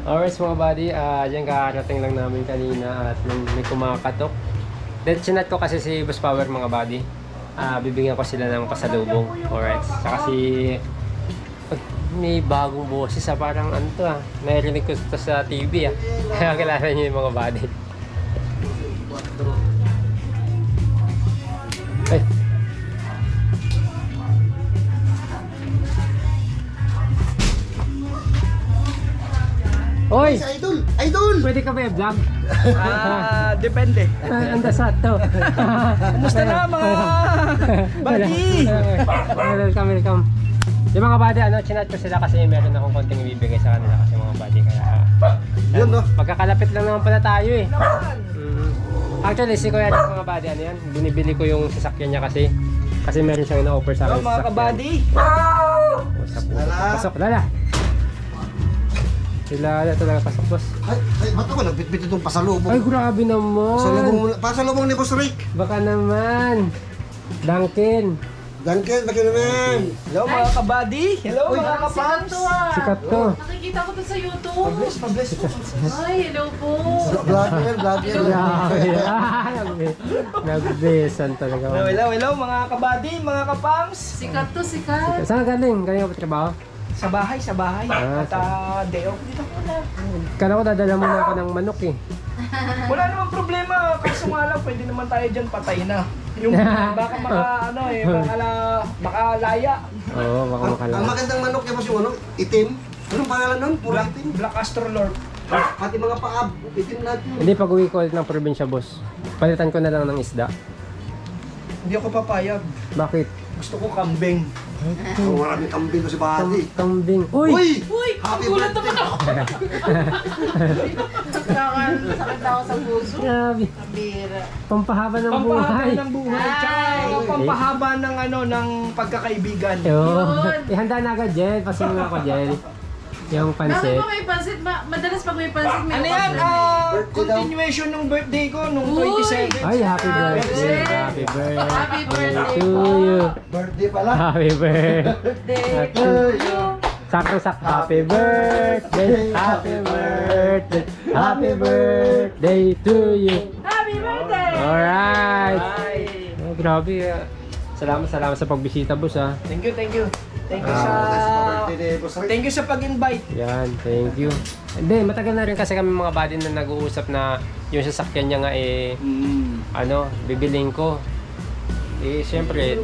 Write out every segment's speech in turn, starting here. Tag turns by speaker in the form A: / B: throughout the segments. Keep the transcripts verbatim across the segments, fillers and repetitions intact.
A: Alright mga buddy, uh, yan kakarating lang namin kanina at may, may kumakatok. Then chinat ko kasi si Boss Power mga buddy. Uh, bibigyan ko sila ng pasalubong. Alright, saka si... May bagong boses ah, parang ano to ah. Narinig ko ito sa T V ah. Kaya kilala niyo yung mga buddy. Ay. Oy!
B: Idol! Idol!
A: Pwede ka ba i-vlog?
C: Ah, depende.
A: Ang dasat to.
C: Kumusta na mga buddy?
A: Welcome, welcome. Yung mga buddy, ano, chinat ko sila kasi meron akong konting ibibigay sa kanila kasi mga buddy. Kaya,
B: Yun, no?
A: magkakalapit lang naman pala tayo eh. Mm. Actually, si Kuya Jack, mga buddy, ano yan? Binibili ko yung sasakyan niya kasi. Kasi meron siyang ina-offer sa akin.
C: Hello mga kabady.
A: Usap po. Pasok, Lala. Sila na talaga pasok, boss.
B: Ay, ay, ba't ako nagbitbit itong pasalubong?
A: Ay, grabe naman.
B: Pasalubong, pasalubong ni Boss Rick.
A: Baka naman. Duncan.
B: Duncan, bakit naman?
C: Hello mga kabady. Hello mga kapams.
A: Sikat to.
D: Nakikita ko to sa YouTube.
C: Pabless, pabless po.
D: Ay, hello po.
B: Vlogger, vlogger.
A: Grabe. Ah, nagbe- Nagbesan talaga.
C: Hello, hello, hello mga kabady, mga kapams.
D: Sikat to, sikat.
A: Saan ka galing? Galing ka pa trabaho?
C: Sa bahay, sa bahay.
A: Ah,
C: At uh, day off dito ko na.
A: Kala ko dadala mo na ako ng manok eh.
C: Wala namang problema. Kaso nga lang, pwede naman tayo dyan patay na. Yung baka maka, ano eh, baka, la, baka laya.
A: Oo, baka
B: Ang, ang
A: makala.
B: magandang manok niya, boss, yung ano, itim. Anong pangalan nun? Puro
C: Black,
B: itim.
C: Black Astrolord.
B: Pati mga paab, itim lahat yun.
A: Hindi, pag uwi ko ulit ng probinsya, boss. Palitan ko na lang ng isda.
C: Hindi ako papayag.
A: Bakit?
C: Gusto ko kambing.
B: Ang maraming kambing ko si Buddy.
A: Kambing. Uy!
B: Uy!
D: Uy,
B: Happy
D: gulat
B: birthday!
D: naman ako. Sakit sakit na ako sa puso.
A: Grabe.
D: Kabira.
A: Pampahaba ng
C: Pampahaba
A: buhay.
C: ng buhay. Tsaka
D: Ay.
C: ano, pampahaba ng ano ng pagkakaibigan.
A: Yo.
D: Yun.
A: Ihanda na agad, Jel. Pasunod ako, Jel. Yung
D: Bakit
A: pansit.
D: ba may pansit? Ma- madalas pag may pansit, may
C: Ano yan?
D: pansit.
C: Ah,
B: Birthday daw.
C: continuation ng birthday ko nung
D: Uy!
C: twenty-seven.
A: Ay, happy birthday.
D: Happy
A: Happy birthday.
D: Happy birthday
A: to
D: po.
A: you.
B: Birthday pala.
A: Happy birthday.
D: Day to you.
A: Sakto sak. Happy birthday. Happy birthday. Happy birthday to you.
D: Happy birthday!
A: Alright.
C: Ay.
A: Oh, grabe. ah. Salamat, salamat sa pagbisita, boss ah.
C: Thank you, thank you. Thank you
A: Ah,
C: sa
B: Birthday ni Boss Rick.
C: Thank you sa pag-invite.
A: Yan, thank you. Hindi, matagal na rin kasi kami mga buddy na nag-uusap na yung sasakyan niya nga eh, ano, bibiling ko. Eh, syempre,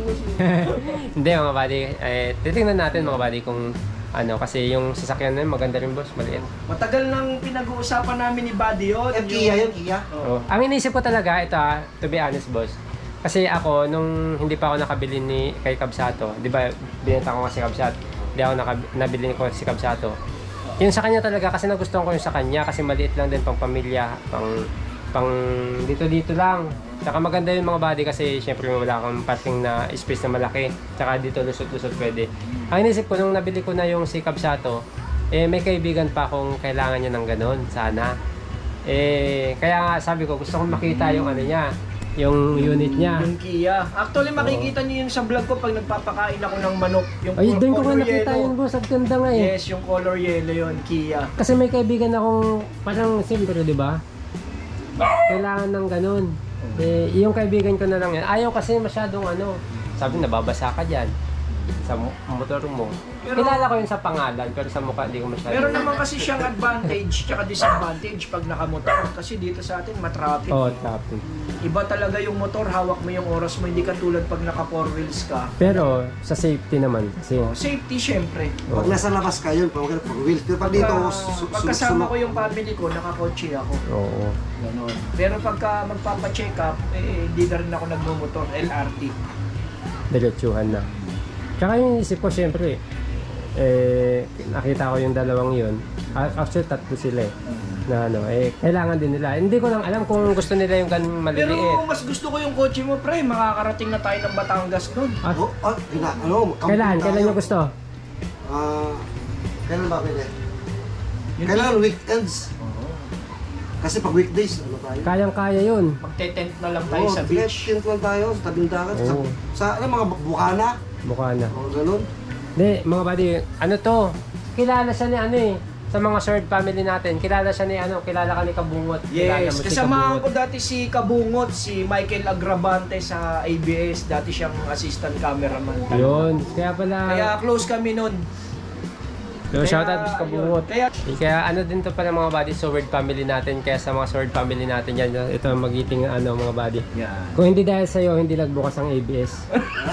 A: hindi mga buddy, eh, titingnan natin mga buddy kung ano, kasi yung sasakyan na yun, maganda rin boss, maliit.
C: Matagal nang pinag-uusapan namin ni Buddy yun.
B: Eh, Kia yun, Kia.
A: Oh. Ang iniisip ko talaga, ito ah, to be honest boss, kasi ako, nung hindi pa ako nakabili ni kay Kabsato, di ba, binenta ko kasi Kabsato, hindi ako nakab- nabili ko si Kabsato. Yung sa kanya talaga, kasi nagustuhan ko yung sa kanya, kasi maliit lang din pang pamilya, pang, pang dito-dito lang. Tsaka maganda yung mga body kasi syempre wala akong parking na space na malaki. Tsaka dito lusot-lusot pwede. Ang inisip ko nung nabili ko na yung si Kabsato, eh may kaibigan pa akong kailangan niya ng ganun, sana. Eh, kaya nga sabi ko, gusto kong makita yung ano niya, yung unit niya.
C: Yung Kia. Actually, makikita niyo yun sa vlog ko pag nagpapakain ako ng manok. Yung
A: Ay,
C: col-
A: doon ko nga
C: color
A: nakita
C: yellow.
A: yun boss, ang ganda nga eh.
C: Yes, yung color yellow yun, Kia.
A: Kasi may kaibigan akong parang siyempre, di ba? Kailangan ng ganun. Eh, yung kaibigan ko na lang yan. Ayaw kasi masyadong ano, sabi nababasa ka dyan sa mo- motor mo.
C: Pero-
A: Kilala ko yun sa pangalan, pero sa mukha hindi ko masyadong.
C: Meron naman kasi siyang advantage tsaka disadvantage pag nakamotor. Kasi dito sa atin, matraffic.
A: Oo, oh, traffic.
C: Iba talaga yung motor, hawak mo yung oras mo, hindi ka tulad pag naka four wheels ka.
A: Pero sa safety naman kasi.
C: Oh, safety syempre.
B: Pag nasa labas ka yun, pag pag wheels. Pero pag dito,
C: Pagka,
B: su- su-
C: pagkasama
B: su-
C: ko yung family ko, nakakotse ako.
A: Oo.
C: Ganon. Pero pagka magpapacheck up, eh, hindi na rin ako nagmumotor, L R T.
A: Diretsuhan na. Tsaka yung isip ko syempre, eh, nakita ko yung dalawang yun. Actually, tatlo sila eh. Na ano, eh, kailangan din nila. Hindi ko lang alam kung gusto nila yung ganun
C: Pero
A: maliliit.
C: mas gusto ko yung kotse mo, pre. Makakarating na tayo ng Batangas doon.
A: Ah,
B: Oh, ah, gina, ano, camping
A: kailan?
B: tayo.
A: Kailan nyo gusto?
B: Ah, kailan ba pwede?
C: Yun
B: Kailangan weekends. Kasi pag weekdays, ano tayo?
A: Kayang-kaya yun.
C: Magte-tent na lang tayo
B: Oo,
C: sa beach.
B: tent lang tayo, sa tabing dagat. Sa,
A: Oo.
B: sa, ano, mga bukana.
A: Mukha na.
B: O, ganun.
A: Hindi, mga buddy, ano to? Kilala siya ni ano eh. sa mga Sword family natin, kilala siya ni ano, kilala ka ni Kabungot. Kilala
C: Yes,
A: mo si
C: kasamahan
A: Kabungot.
C: ko dati si Kabungot, si Michael Agrabante sa A B S. Dati siyang assistant cameraman.
A: Yun, kaya pala.
C: Kaya close kami nun.
A: So, shoutout sa Kabungot.
C: Kaya,
A: Eh, Kaya ano din to pala mga buddy, Sword family natin. Kaya sa mga Sword family natin yan, ito ang magiting ano mga buddy.
C: yan.
A: Kung hindi dahil sa'yo, hindi nagbukas ang A B S.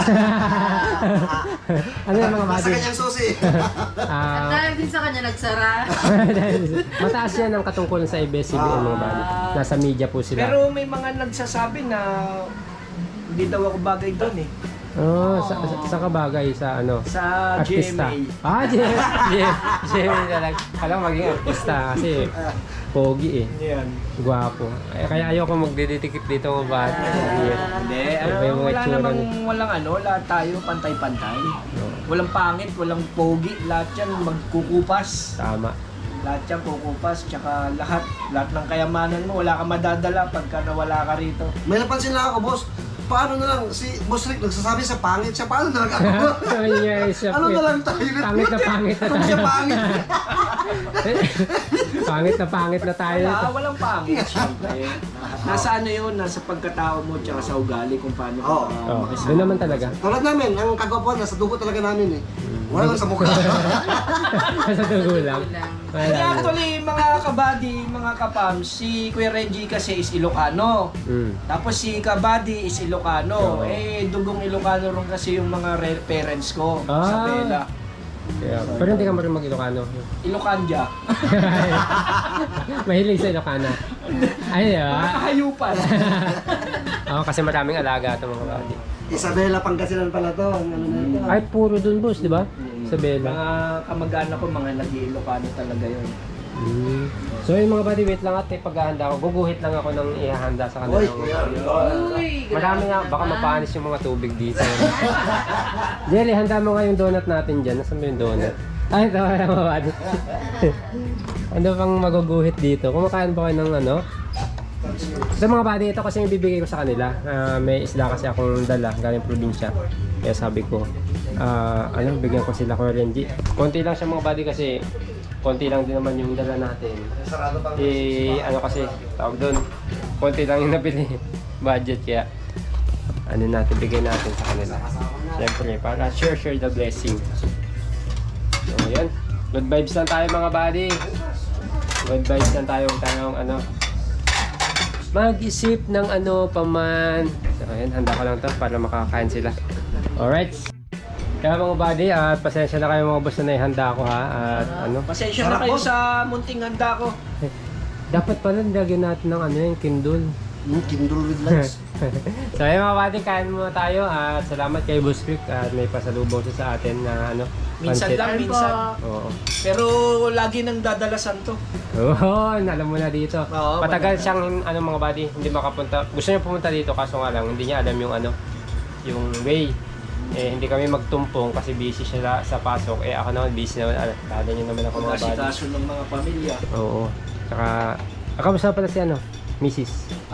A: Ano yung mga
B: Nasa
A: buddy?
B: kanyang susi.
D: At
A: Ah,
D: dahil din sa kanya nagsara.
A: dahil- mataas yan ang katungkulan sa A B S C B N mga buddy. Nasa media po sila.
C: Pero may mga nagsasabi na hindi daw ako bagay doon eh.
A: Oh, sa, sa, sa kabagay sa ano?
C: Sa G M
A: Artista.
C: A.
A: Ah, G M A. G M A talaga. Alam maging artista kasi pogi eh.
C: Yan.
A: Gwapo. Eh, kaya ayoko magdidikit dito mga bata.
C: Hindi, ano,
A: Iba yung mga
C: wala
A: itsura
C: namang
A: niya.
C: walang ano, lahat tayo pantay-pantay. Walang pangit, walang pogi, lahat yan magkukupas.
A: Tama.
C: Lahat yan kukupas, tsaka lahat, lahat ng kayamanan mo, wala ka madadala pagka nawala ka rito.
B: May napansin lang ako, boss. Paano na lang, si Boss Rick nagsasabi sa pangit siya, paano na lang ako?
A: Sabi niya, siya,
B: Ano na lang tayo?
A: Pangit na pangit na
B: Kung siya
A: tayo.
B: pangit.
A: Pangit na pangit na tayo.
C: Wala, walang pangit, syempre. Nasa ano yun, nasa pagkatao mo, tsaka sa ugali kung paano ka
B: Oo.
C: uh,
A: Oh,
C: makisama.
A: doon naman talaga.
B: Tulad namin, ang kagwapuan, nasa dugo talaga namin eh. Wala lang sa mukha.
A: Sa dugo lang. Wala
C: Kaya
A: lang.
C: actually, mga kabady, mga kapam, si Kuya Reggie kasi is Ilocano.
A: Mm.
C: Tapos si Kabady is Ilocano.
A: Oo.
C: Eh, dugong Ilocano rin kasi yung mga re- parents ko
A: Ah.
C: sa Bella.
A: Kaya, pero hindi ka marunong mag-Ilocano.
C: Ilocanja.
A: Mahilig sa Ilocana. Ay,
C: Mga
A: ah.
C: kahayupan.
A: Oo, kasi maraming alaga ito mga buddy.
B: Isabela Pangasinan pala to. Ang ano na ito.
A: Ay, puro dun boss, di ba? Sa Bella.
C: Mga kamag-anak ko, mga nag-Ilocano talaga yun.
A: Mm. So yung mga buddy, wait lang at eh, paghahanda ako. Guguhit lang ako ng ihahanda sa kanila.
B: Uy,
D: Uy,
A: Marami nga, baka mapanis yung mga tubig dito. Jelly, handa mo nga yung donut natin dyan. Nasaan ba yung donut? Ay, ito wala mga buddy. Ano pang maguguhit dito? Kumakain ba kayo ng ano? Sa mga buddy, ito kasi yung bibigay ko sa kanila. Ah, may isla kasi akong dala galing probinsya. Kaya sabi ko, ah, ano, bigyan ko sila ko Renji. Konti lang siya mga buddy kasi konti lang din naman yung dala natin.
B: Sarado pang
A: Eh, ano kasi, tawag doon, konti lang yung nabili budget kaya ano natin, bigay natin sa kanila. Siyempre, para share, share the blessing. So, yan. Good vibes lang tayo mga buddy. Good vibes lang tayo, tayong ano, mag-isip ng ano pa man. So, ayan, handa ko lang to para makakain sila. Alright. Kaya mga buddy, at pasensya na kayo mga boss na naihanda ko ha. At ano,
C: Pasensya na
B: Sarap,
C: kayo
B: boss.
C: sa munting handa ko.
A: dapat pala nilagyan natin ng ano yung Kindle.
B: Hmm, Kindle with lights.
A: So ayun mga buddy, kain muna tayo at salamat kay Boss Rick at may pasalubong siya sa atin na ano,
C: Minsan
A: pancit.
C: lang,
D: Ayun
C: minsan.
D: po.
A: Oo.
C: Pero lagi nang dadalasan to.
A: Oo, alam mo na dito.
C: Oo,
A: Patagal
C: wala.
A: siyang ano mga buddy, hindi makapunta. Gusto niya pumunta dito kaso nga lang hindi niya alam yung ano, yung way. Eh hindi kami magtumpong kasi busy siya sa pasok. Eh ako naman busy naman. Alam, alam niyo naman ako mga buddy.
C: Pagkasikaso ng mga pamilya.
A: Oo. Tsaka, akamusta pala si ano, missus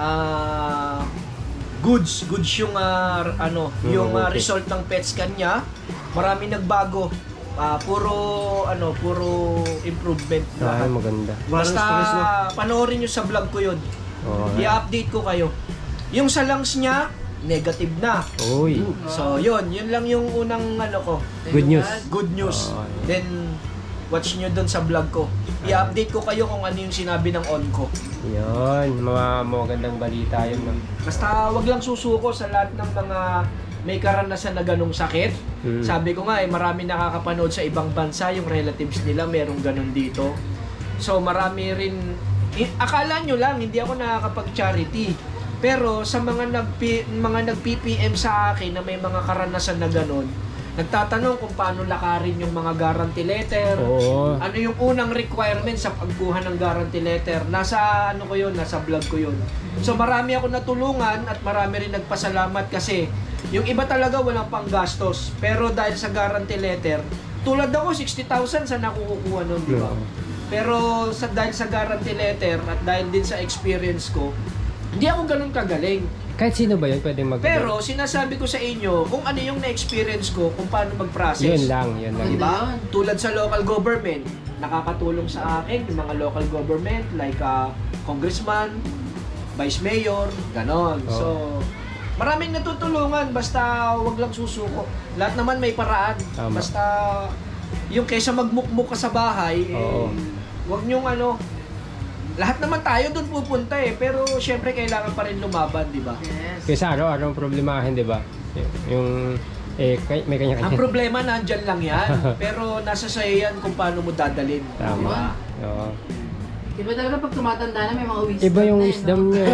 C: Ah, goods, goods yung ah, ano,
A: Mm,
C: yung ah,
A: okay.
C: result ng PET scan niya. Marami nagbago. Ah, puro ano, puro improvement
A: Ay,
C: lahat.
A: maganda.
B: Walang
C: Basta
B: stress na.
C: panoorin niyo sa vlog ko 'yun.
A: Oo.
C: I-update ko kayo. Yung sa lungs niya, negative na.
A: Uy.
C: So, 'yun, 'yun lang yung unang ano ko.
A: Good news.
C: Good news.
A: Oo, yun.
C: Then watch nyo doon sa vlog ko. I-update ko kayo kung ano yung sinabi ng on ko.
A: Yun, mga magandang balita yun. ma'am.
C: Basta wag lang susuko sa lahat ng mga may karanasan na ganong sakit.
A: Mm.
C: Sabi ko nga eh, marami nakakapanood sa ibang bansa, yung relatives nila merong ganon dito. So marami rin, i- akala nyo lang, hindi ako nakakapag-charity. Pero sa mga nag mga nag-P P M sa akin na may mga karanasan na ganon, nagtatanong kung paano lakarin yung mga guarantee letter.
A: Oo.
C: Ano yung unang requirement sa pagkuha ng guarantee letter? Nasa ano ko yun, nasa vlog ko yun. So marami ako natulungan at marami rin nagpasalamat kasi yung iba talaga walang panggastos. Pero dahil sa guarantee letter, tulad ako sixty thousand sa nakukuha nun, di ba?
A: Oo.
C: Pero sa dahil sa guarantee letter at dahil din sa experience ko, hindi ako ganun kagaling.
A: Kahit sino ba yun pwedeng mag-
C: Pero sinasabi ko sa inyo kung ano yung na-experience ko, kung paano mag-process.
A: Yun lang, yun lang.
C: Di ba? Tulad sa local government, nakakatulong sa akin yung mga local government like uh, congressman, vice mayor, ganon.
A: Oo.
C: So, maraming natutulungan basta wag lang susuko. Lahat naman may paraan.
A: Tama.
C: Basta yung kaysa magmukmuk ka sa bahay, eh,
A: Oo.
C: wag niyong ano, lahat naman tayo doon pupunta eh, pero syempre kailangan pa rin lumaban, di ba?
D: Yes.
A: Kaysa araw-araw ang problemahin, di ba? Y- Yung, eh, kay- may
C: Ang
A: kanya-kanya.
C: problema nandyan lang yan, pero nasa sa'yo yan kung paano mo dadalhin.
A: Tama. Oo.
D: Iba talaga pag tumatanda na may mga wisdom
A: Iba yung
D: na eh,
A: wisdom
D: no?
A: niya.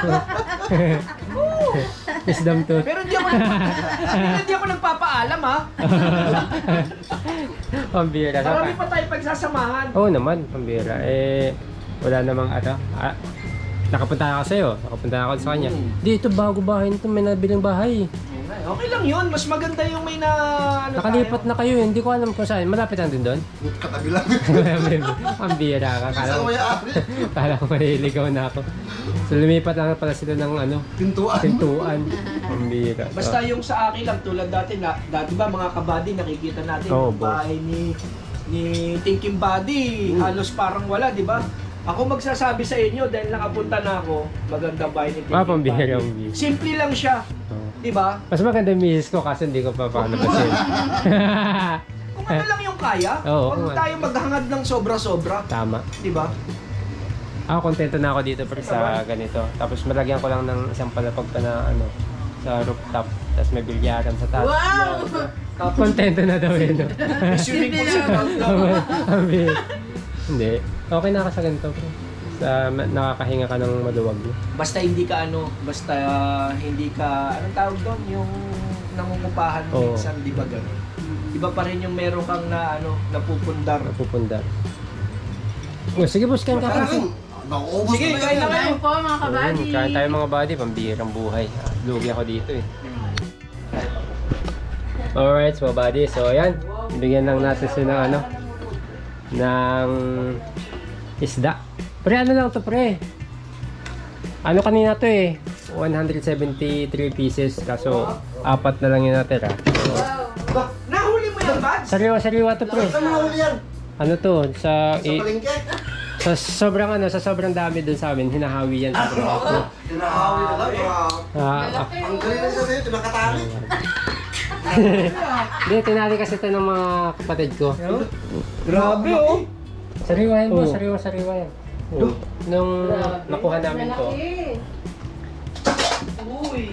A: Wisdom to.
C: Pero hindi ako, hindi ako nagpapaalam ha.
A: Pambira.
C: Marami pa tayo pagsasamahan.
A: Oo naman, pambira. Eh, wala namang ano. Ah, nakapunta ako sa'yo. Nakapunta ako sa kanya.
C: Mm.
A: Dito, bago bahay nito. May nabiling bahay.
C: Okay lang yun, mas maganda yung may na ano
A: Nakalipat
C: tayo.
A: na kayo. Hindi ko alam kung saan. Malapit lang din doon.
B: Katabi lang.
A: Pambira ka. Kala
B: Isa
A: ko,
B: ko may-ari.
A: kala ko maliligaw na ako. So, lumipat lang pala sila ng ano,
B: Pintuan.
A: pintuan. Pambira. So,
C: Basta yung sa akin lang, tulad dati, na, dati ba mga kabady, nakikita natin
A: Oo,
C: yung
A: boss.
C: bahay ni, ni Thinking Body, halos parang wala, di ba? Ako magsasabi sa inyo, dahil nakapunta na ako, magandang bahay ni Thinking
A: Ah, pambira,
C: Body.
A: pambira.
C: Simple lang siya,
A: Oo.
C: di ba?
A: Mas maganda yung misis ko kasi hindi ko pa panabasin.
C: Kung ano lang yung kaya,
A: Oo,
C: huwag
A: kung ano.
C: tayo maghangad ng sobra-sobra,
A: Tama.
C: di ba?
A: Ako, kontento na ako dito pre sa ganito. Tapos malagyan ko lang ng isang palapag pa na ano, sa rooftop. Tapos may bilyaran sa taas.
D: Wow!
C: Tapos
A: Kontento na daw yun. no?
C: may swimming pool sa ground floor.
A: Sabi, hindi. Okay na ako sa ganito pre. Sa, ma- nakakahinga ka ng maluwag. No?
C: Basta hindi ka ano, basta uh, hindi ka, anong tawag doon? Yung nangungupahan
A: Oo.
C: minsan, di ba gano'n? Iba pa rin yung meron kang na ano, napupundar.
A: Napupundar. Oh, sige boss, kain ka
B: Parang,
A: kasi.
B: nauubos
C: Sige,
B: ko na
C: kain na
B: yan.
C: kayo.
D: Kain po mga kabady.
A: Mm, kain tayo mga buddy, pambirang buhay. Ah, Lugi ako dito eh. Alright, mga buddy. So, ayan. Bigyan lang natin sila ng ano, ng isda. Pre, ano lang to pre? Ano kanina to eh? one hundred seventy-three pieces. Kaso, apat na lang yung natira.
C: Ba, nahuli mo yan, Bads?
A: Sariwa-sariwa to pre.
B: Saan mo nahuli yan?
A: Ano to? Sa,
B: Sa
A: i-
B: palengke?
A: sa sobrang ano, sa sobrang dami dun sa amin, hinahawi yan sa braso.
B: Tinahawi na lang.
A: Ah, ah.
B: Ang galing na isa sa'yo, tinakatali.
A: Hindi, tinali kasi ito ng mga kapatid ko.
C: Grabe oh.
A: Sariwa yan po,
C: Oo.
A: sariwa, sariwa yan. Nung nakuha namin to,
D: Uy!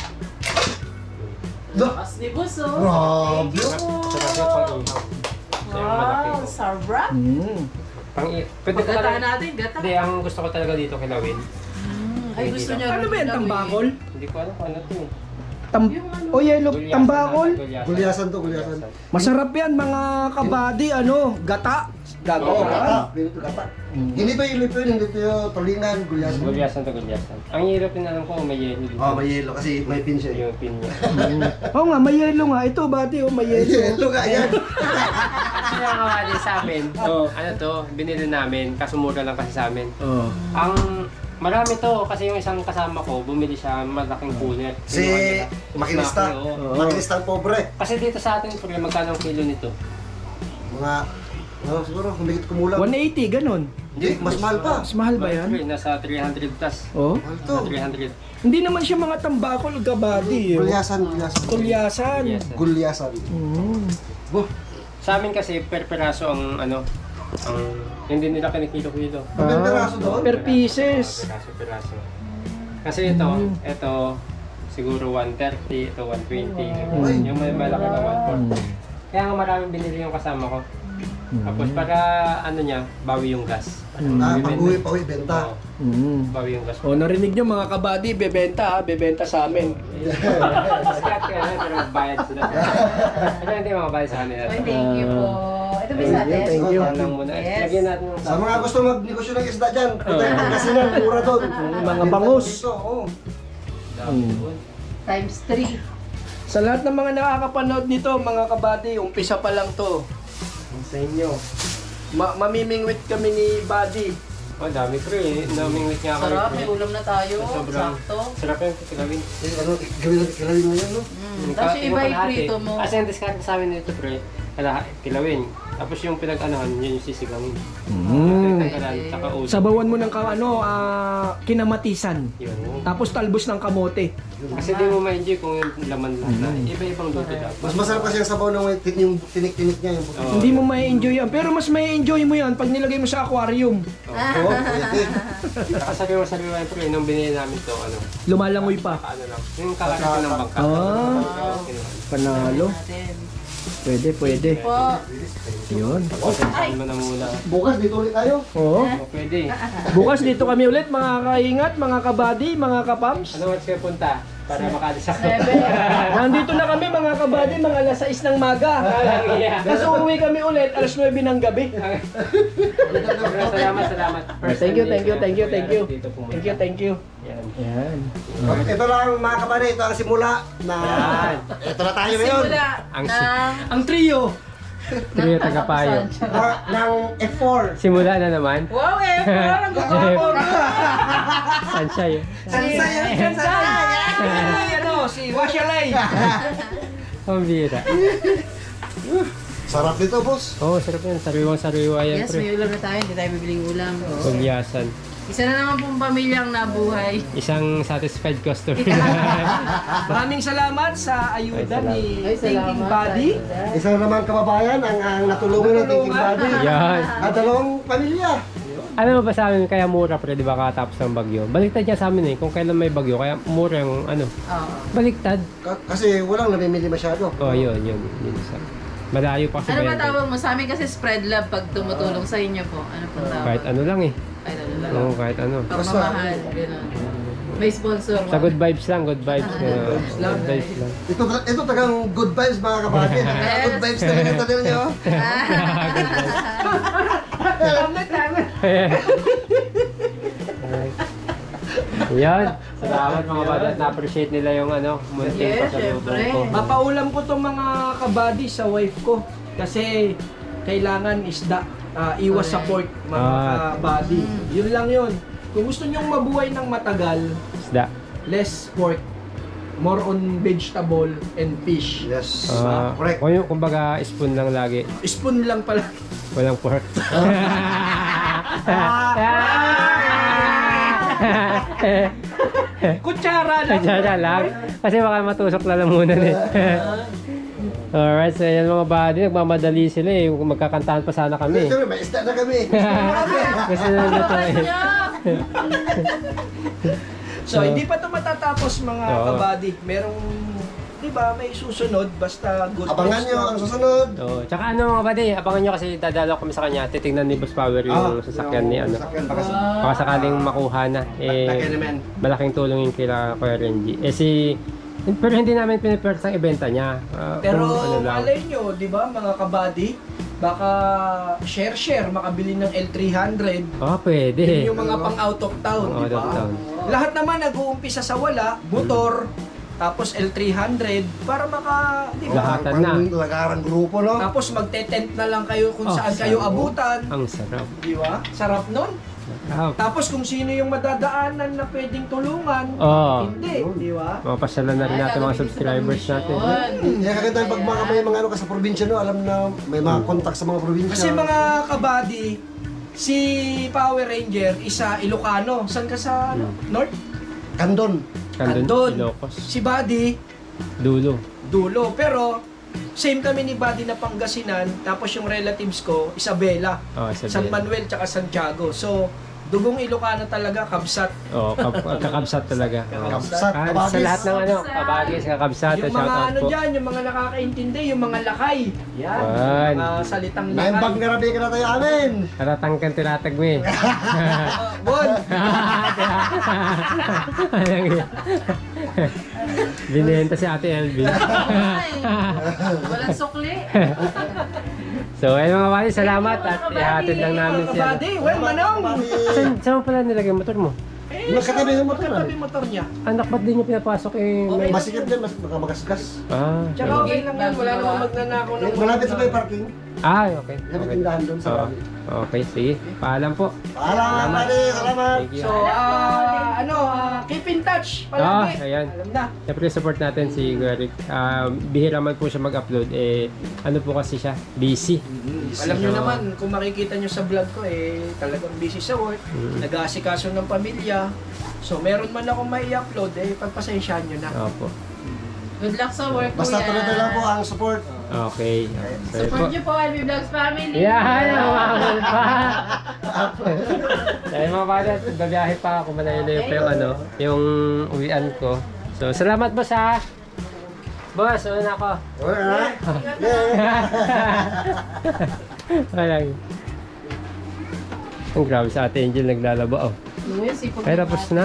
B: Da-
D: As ni Boss, oh.
B: Grabe.
A: sarap yung pang-ihaw. Kasi yung malaki
D: Wow,
A: ko.
D: sarap.
C: Mm.
A: Pang-ihaw. Pwede ko
D: Pagkata
A: talaga.
D: natin, gata.
A: Hindi, ang gusto ko talaga dito kilawin.
D: Mm, Ay, gusto niya.
C: Ano ba yan,
D: rin
C: tambakol?
A: Hindi ko alam kung ano to eh.
C: Tam
D: Yung ano?
C: o yellow,
A: Gulyasan
C: tambakol?
A: natin, gulyasan.
B: Gulyasan to, gulyasan.
C: Masarap yan mga kabady, ano, gata. Gago.
B: Oo, gata. Ganito gata. Hindi ba yung lipo yun? Hindi yung tulingan, gulyasan.
A: Gulyasan to, gulyasan. Ang hirap din alam ko, may yelo dito.
B: Oh, may yelo kasi may pin siya.
A: Yung pin niya.
C: Oo nga, may yellow nga. Ito, bati, oh, may yellow.
B: Yelo nga yan.
A: Kasi nakakawali sa amin, ano to, binili namin, kaso mura lang kasi sa amin.
C: Oh.
A: Ang marami to kasi yung isang kasama ko, bumili siya malaking cooler.
B: Si
A: Kinuha nila.
B: makinista.
A: Malaki, oo.
B: Makinista ang pobre.
A: Kasi dito sa atin, pre, magkano ang kilo nito?
B: Mga, ano siguro, humigit kumulang.
C: one eighty, ganun.
B: Hindi, mas mahal pa.
C: Mas mahal ba yan?
A: Pre, nasa three hundred plus.
C: Oh.
B: Mahal to.
A: Nasa three hundred.
C: Hindi naman siya mga tambakol, kabady. Oh.
B: Gulyasan, gulyasan.
C: Tulyasan.
A: Yes.
B: Gulyasan.
C: Mm.
B: Buh.
A: Sa amin kasi, per peraso ang ano, ang hindi nila kinikilo-kilo.
B: Ang ganda raso doon.
C: Per pieces.
A: Peraso, peraso. Kasi ito, ito, siguro one thirty, ito one twenty.
B: Ay.
A: Yung may malaki na one forty. Kaya nga maraming binili yung kasama ko. Tapos para ano niya, bawi yung gas.
B: Ah,
A: Bibenta.
B: pag-uwi pa, uwi, benta.
A: Oo,
C: Mm.
A: bawi yung gas.
C: O, narinig nyo mga kabady, bebenta ha, bebenta sa amin.
A: Discount ka na, pero bayad sila. Pero hindi mga bayad sa kanila.
D: Ay, thank you po. Ito ba sa atin?
C: Thank you.
A: Yan lang muna.
D: Yes.
A: Lagyan natin yung
B: Sa mga gusto magnegosyo ng isda dyan, punta yung Pangasinan, mura doon.
C: Mga bangus.
B: Dito, oo.
C: Mm.
D: Times three.
C: Sa lahat ng mga nakakapanood nito, mga kabady, umpisa pa lang to. Sa inyo. Ma mamimingwit kami ni Buddy.
A: Oh, dami pre. Daming week nga kami.
D: Sarap,
A: pre.
D: may ulam na tayo.
A: Sobrang
D: Sakto.
A: sarap yung kitigawin.
B: Eh, ano, gawin natin kilawin mo yan, no?
D: Mm. Tapos yung iba iprito mo.
A: Kasi ang discount sa amin nito pre, kala, kilawin. Tapos yung pinag-anahan, yun yung sisigangin.
C: Mm.
A: Pinagkalan, saka ulo.
C: Sabawan mo ng ka, ano, ah, kinamatisan.
A: Yun.
C: Tapos talbos ng kamote.
A: Kasi di mo ma-enjoy kung yung laman lahat na. Iba-ibang luto dapat.
B: Mas masarap kasi yung sabaw ng tin- yung tinik-tinik niya. Yung
A: Oo.
C: Hindi mo ma-enjoy yan. Pero mas ma-enjoy mo yan pag nilagay mo sa aquarium.
B: Oo, pwede.
A: Saka sabi-sabi mo pre, nung binili namin to, ano,
C: Lumalangoy pa.
A: ano lang, yung kakain ko ng bangka.
C: Ah. Panalo.
D: Natin.
C: Pwede, pwede.
D: Po.
C: Yun.
A: Saan mo na muna.
B: Bukas dito ulit tayo.
C: Oo.
A: O pwede.
C: Bukas dito kami ulit, mga kaingat, mga kabady, mga kapams.
A: Ano oras kayo punta? Para makaalis ako.
D: Seven.
C: Nandito na kami, mga kabady, mga alas sais ng maga. Tapos uuwi kami ulit, alas nuwebe ng gabi.
A: Salamat, salamat.
C: Thank you, thank you, thank you, thank you.
A: Dito pumunta.
C: Thank you, thank you.
A: Yan.
C: Yan.
B: Ito lang mga kapatid, ito ang simula na
A: Yan.
B: ito na tayo ngayon.
D: Simula
A: Ang
D: ng...
C: Ang trio.
A: Trio tagapayo.
B: Na- ng F four.
A: Simula na naman.
D: Wow, eh! Parang gagawin.
A: Sansay.
B: Sansay, sansay.
C: Ay, ano, si Washalay.
A: Ang bira.
B: Sarap nito, boss.
A: Oo, oh, sarap yan. Sariwang-sariwa yan,
D: Yes, may
A: pre.
D: ulam na tayo. Hindi tayo bibiling ulam.
A: Pagyasan.
D: Isa na naman pong pamilyang nabuhay.
A: Isang satisfied customer.
C: Maraming salamat sa ayuda
A: Ay,
C: ni
D: Ay,
C: Thinking
D: salamat.
C: Body.
B: Isa na naman kababayan ang, ang natulungan ng Thinking Body.
A: Yan.
B: At dalawang pamilya.
A: Alam mo ba sa amin, kaya mura pre, di ba katapos ng bagyo? Baliktad niya sa amin eh, kung kailan may bagyo, kaya mura yung ano.
D: Oo.
A: Baliktad.
B: Ka- kasi walang namimili masyado.
A: Oh, yun, yun. yun isa. Malayo pa kasi
D: Ano ba
A: bayan.
D: tawag mo? Sa amin kasi spread love pag tumutulong sa inyo po. Ano pong tawag?
A: Kahit ano lang eh.
D: Kahit ano lang.
A: Oo, kahit ano.
D: Pagmamahal. Ganun. May sponsor.
A: Sa good vibes lang, good vibes.
D: Ah,
A: uh,
C: vibes lang.
A: good vibes lang.
B: Ito, ito tagang good vibes mga kapatid.
D: Yes.
B: Good vibes talaga ito din nyo.
C: Tama, tama.
A: Yan. Salamat mga bata at na-appreciate nila yung ano, munting
D: Yes,
A: pasalubong
D: syempre.
A: ko.
C: Mapaulam ko tong mga kabady sa wife ko kasi kailangan isda, ah, iwas sa pork mga
A: Ah.
C: kabady. Yun lang yun. Kung gusto nyong mabuhay ng matagal,
A: Isda.
C: less pork, more on vegetable and fish.
B: Yes.
A: Ah,
B: Correct.
A: kung yung kumbaga spoon lang lagi,
C: Spoon lang pala.
A: walang pork.
C: Kutsara lang.
A: Kaya lang. Kasi baka matusok na lamunan eh. Alright, so yan mga buddy, nagmamadali sila eh. Magkakantahan pa sana kami.
B: Siyempre, may isda na kami.
A: Kasi nandito eh.
C: So, hindi pa ito matatapos mga
A: Oo.
C: kabady. Merong, di ba, may susunod basta good
B: Abangan
C: vibes
B: nyo
C: lang.
B: ang susunod.
A: Oh, tsaka ano mga buddy, abangan nyo kasi dadalaw kami sa kanya. Titingnan ni Boss Power yung sasakyan ni ano.
B: Sasakyan baka sa...
A: Baka sakaling makuha na. Eh,
B: Laki naman.
A: malaking tulong yung kila Kuya Renji. Eh si... Pero hindi namin pinipersa ang ibenta niya. Ah,
C: Pero
A: kung ano lang.
C: malay nyo, di ba, mga kabady, baka share-share, makabili ng L three hundred.
A: Oh, pwede.
C: Yun yung mga pang out of town,
A: Out
C: di
A: of
C: ba?
A: town.
C: Lahat naman nag-uumpisa sa wala, motor, tapos L three hundred, para maka, di ba?
A: Lahatan na.
B: Pang lagarang grupo, no?
C: Tapos magte-tent na lang kayo kung
A: Oh,
C: saan kayo
A: sarap.
C: abutan.
A: Ang sarap.
C: Di ba? Sarap nun.
A: Sarap.
C: Tapos kung sino yung madadaanan na pwedeng tulungan,
A: Oo.
C: hindi, di ba?
A: Mapasyalan na rin natin mga subscribers natin.
B: Kaya kaganda pag mga may mga ano ka sa probinsya, no? Alam na may mga contact sa mga probinsya.
C: Kasi mga kabady, si Power Ranger, isa Ilocano. Saan ka sa ano? North?
B: Kandon.
A: Kandun,
C: Andun.
A: Ilocos.
C: Si Buddy,
A: Dulo.
C: Dulo. Pero, same kami ni Buddy na Pangasinan. Tapos yung relatives ko, Isabela,
A: Oh, sabi.
C: San Manuel, tsaka Santiago. So, dugong Ilocano talaga, kabsat.
A: Oh, kap- kakabsat talaga. Oh.
B: Kapsat,
A: Ah, sa
B: kabagis.
A: lahat ng ano, kabagis, kakabsat,
C: Yung
A: shout
C: mga
A: out
C: ano
A: po.
C: dyan, yung mga nakakaintindi, yung mga lakay. Yan,
A: Yan.
C: mga salitang
B: Naimbag
C: lakay.
B: na rabi ka na tayo amin.
A: Karatang kang tinatag mo eh.
C: Uh, Bon,
A: Alang yun. Binenta si Ate Elvin.
D: Walang sukli.
A: So, ayun mga buddy, salamat at ihatid lang namin
C: mga
A: siya.
C: kabady, well, manong.
A: Saan, saan mo pala nilagay yung motor mo?
C: Eh,
B: Nakatabi yung motor,
C: nakatabi yung motor niya.
A: Anak, ba't din yung pinapasok eh? May...
B: Masikip din, mas baka magasgas.
A: Ah,
C: Tsaka okay lang yun, wala namang magnanakaw ng
B: Malapit sa may parking.
A: ah, okay.
B: Lapit
A: Okay.
B: yung dahan doon sa
A: Oo.
B: labi.
A: Okay, sige. Paalam po.
B: Paalam, pare. Salamat.
A: Thank you.
C: So, ah, ano, ah, keep it in touch
A: Ah,
C: palagi.
A: ayan.
C: Alam na.
A: Siyempre support natin si Eric. Ah, bihira man po siya mag-upload. Eh, ano po kasi siya? Busy.
C: Alam nyo
A: So,
C: naman, kung makikita nyo sa vlog ko, eh, talagang busy sa work, nag-aasikaso ng pamilya. So, meron man akong may upload eh, pagpasensyahan nyo na.
A: Opo.
D: Good luck sa work,
B: Basta
D: kuya.
B: tuloy-tuloy lang po ang support.
A: Okay. Sorry po.
D: Support niyo po, Alvin Vlogs family.
A: Yan, umamal pa. Dahil mga bata, babiyahe pa ako, malayo-layo pa yung ano, yung uwian ko. So, salamat boss ha. Boss, ano na ako?
B: Okay, ha?
A: Ayan. Ang grabe sa ate Angel, naglalaba oh.
D: Luis, ipag-
A: Ay, tapos na?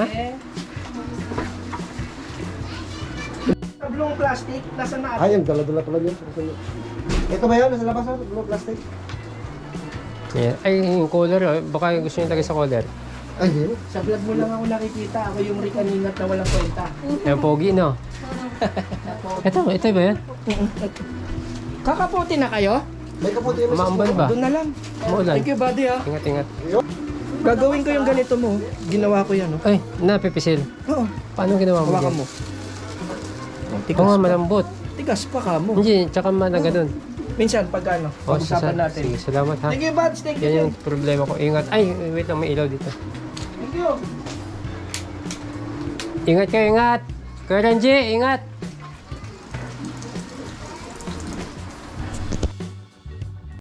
C: Tablong plastic, nasa na
B: Ay, ang dala-dala pala yun. Ito ba yun? Nasa labas ha? Blue plastic?
A: Ayan. Ay, yung collar oh. Baka gusto nyo lagay sa collar.
B: Ay, hindi.
C: Sa vlog mo lang ako nakikita, ako yung Rick Aningat na walang kwenta.
A: Ayan, pogi no? Ito, ito ba yan?
C: Kakapote na kayo?
B: May kaputi yung
A: Maambal ba?
C: Doon na lang.
A: Maulan.
C: Thank you, buddy ha.
A: Ingat, ingat.
C: Gagawin ko yung ganito mo. Ginawa ko yan, oh.
A: Ay, napipisil.
C: Oo,
A: Paano ginawa mo?
C: hawakan
A: yan?
C: mo. Oh,
A: Oo
C: tigas
A: nga,
C: pa.
A: malambot.
C: Tigas pa ka mo.
A: Hindi, tsaka mana ganun.
C: Minsan, pag ano,
A: Oh,
C: pag-usapan
A: sasa-
C: natin.
A: Sige, salamat ha.
C: Thank you, buds. Thank you.
A: Yan yung problema ko. Ingat. Ay, wait lang, may ilaw dito.
C: Thank you.
A: Ingat kayo, ingat. Kuya Renji, ingat.